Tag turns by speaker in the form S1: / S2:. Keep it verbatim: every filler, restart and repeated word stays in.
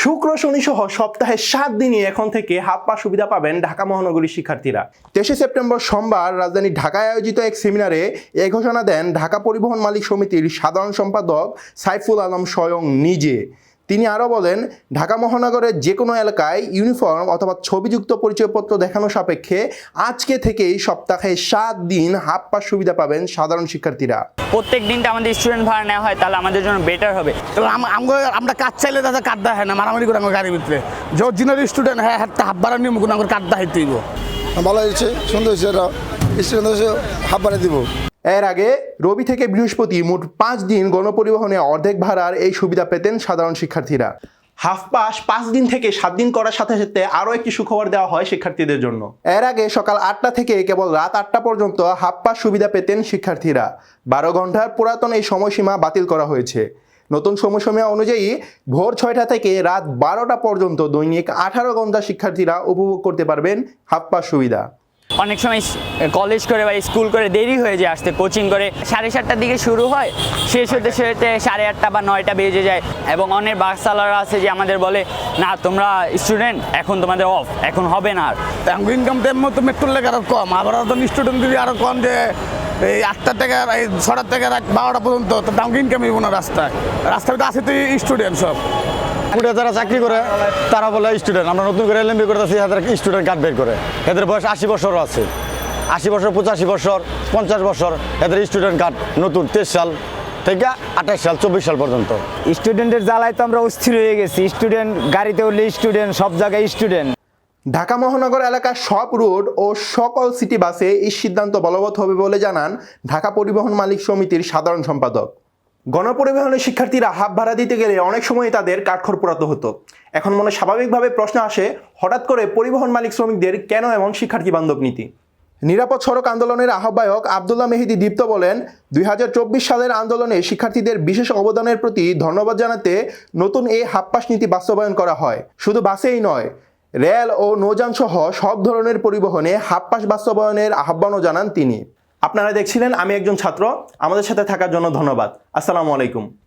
S1: শুক্র শনি সহ সপ্তাহে সাত দিনই এখন থেকে হাফ পাস সুবিধা পাবেন ঢাকা মহানগরীর শিক্ষার্থীরা। তেইশে সেপ্টেম্বর সোমবার রাজধানী ঢাকায় আয়োজিত এক সেমিনারে এ ঘোষণা দেন ঢাকা পরিবহন মালিক সমিতির সাধারণ সম্পাদক সাইফুল আলম স্বয়ং নিজে। তিনি আরও বলেন, ঢাকা মহানগরের যে কোনো এলাকায় ইউনিফর্ম অথবা ছবিযুক্ত পরিচয়পত্র দেখানো সাপেক্ষে আজকে থেকেই সপ্তাহে সাত দিন হাফ পাস সুবিধা পাবেন সাধারণ শিক্ষার্থীরা।
S2: প্রত্যেক দিনটা আমাদের স্টুডেন্ট ভাড়া নেওয়া হয়, তাহলে আমাদের জন্য বেটার হবে।
S3: আমরা কাজ চাইলে তাদের কার্ড দেয় না, মারামারি করে আমার গাড়ির ভিতরে যে অরিজিনাল স্টুডেন্ট হ্যাঁ হাত হাফ ভাড়া নিয়ম কোনো আমার কার্ড দেখাইতে দিব।
S4: ভালো হয়েছে, সুন্দর হয়েছে, এটা স্টুডেন্ট হয়েছে হাফ ভাড়া দিব।
S1: এর আগে রবি থেকে বৃহস্পতি মোট পাঁচ দিন গণপরিবহনে অর্ধেক ভাড়ার এই সুবিধা পেতেন সাধারণ শিক্ষার্থীরা। হাফ পাস পাঁচ দিন থেকে সাত দিন করার সাথে সাথে আরও একটি সুখবর দেওয়া হয় শিক্ষার্থীদের জন্য। এর আগে সকাল আটটা থেকে কেবল রাত আটটা পর্যন্ত হাফ পাস সুবিধা পেতেন শিক্ষার্থীরা। বারো ঘন্টার পুরাতন এই সময়সীমা বাতিল করা হয়েছে। নতুন সময়সীমা অনুযায়ী ভোর ছয়টা থেকে রাত বারোটা পর্যন্ত দৈনিক আঠারো ঘন্টা শিক্ষার্থীরা উপভোগ করতে পারবেন হাফ পাস সুবিধা।
S2: অনেক সময় কলেজ করে বা স্কুল করে দেরি হয়ে যায় আসতে, কোচিং করে সাড়ে সাতটার দিকে শুরু হয়, শেষ হতে হতে সাড়ে আটটা বা নয়টা বেজে যায়। এবং অনেক বাস চালারা আছে যে আমাদের বলে, না তোমরা স্টুডেন্ট, এখন তোমাদের অফ, এখন হবে না। আর
S3: ইনকাম টাইম মতো মেট্রোর লেগে আরও কম, আবার স্টুডেন্ট যদি আরও কম যে এই আটটা থেকে এই ছটার থেকে রাত বারোটা পর্যন্ত তো ডাউন ইনকাম হইব না। রাস্তায় রাস্তায় তো আছে তো স্টুডেন্ট সব
S5: যারা চাকরি করে তারা বলে স্টুডেন্ট। আমরা নতুন করে এলএমবি করতেছি, এদের স্টুডেন্ট কার্ড বের করে। এদের বয়স আশি বছরও আছে, আশি বছর, পঁচাশি বছর, পঞ্চাশ বছর, এদের স্টুডেন্ট কার্ড নতুন তেইশ সাল থেকে আঠাশ সাল চব্বিশ সাল পর্যন্ত।
S6: স্টুডেন্টের জ্বালায় তো আমরা অস্থির হয়ে গেছি। স্টুডেন্ট গাড়িতে উঠলে স্টুডেন্ট, সব জায়গায় স্টুডেন্ট।
S1: ঢাকা মহানগর এলাকার সব রুট ও সকল সিটি বাসে এই সিদ্ধান্ত বলবৎ হবে বলে জানান ঢাকা পরিবহন মালিক সমিতির সাধারণ সম্পাদক। গণপরিবহনের শিক্ষার্থীরা হাফ ভাড়া দিতে গেলে অনেক সময় তাদের কাঠখড় পোড়াতে হতো। এখন মনে স্বাভাবিকভাবে প্রশ্ন আসে, হঠাৎ করে পরিবহন মালিক শ্রমিকদের কেন এমন শিক্ষার্থী বান্ধব নীতি? নিরাপদ সড়ক আন্দোলনের আহ্বায়ক আবদুল্লাহ মেহেদী দীপ্ত বলেন, দুই হাজার চব্বিশ সালের আন্দোলনে শিক্ষার্থীদের বিশেষ অবদানের প্রতি ধন্যবাদ জানাতে নতুন এই হাফ পাস নীতি বাস্তবায়ন করা হয়। শুধু বাসেই নয়, রেল ও নৌযান সহ সব ধরনের পরিবহনে হাফ পাস বাস্তবায়নের আহ্বানও জানান তিনি। আপনারা দেখছিলেন আমি একজন ছাত্র। আমাদের সাথে থাকার জন্য ধন্যবাদ। আসসালামু আলাইকুম।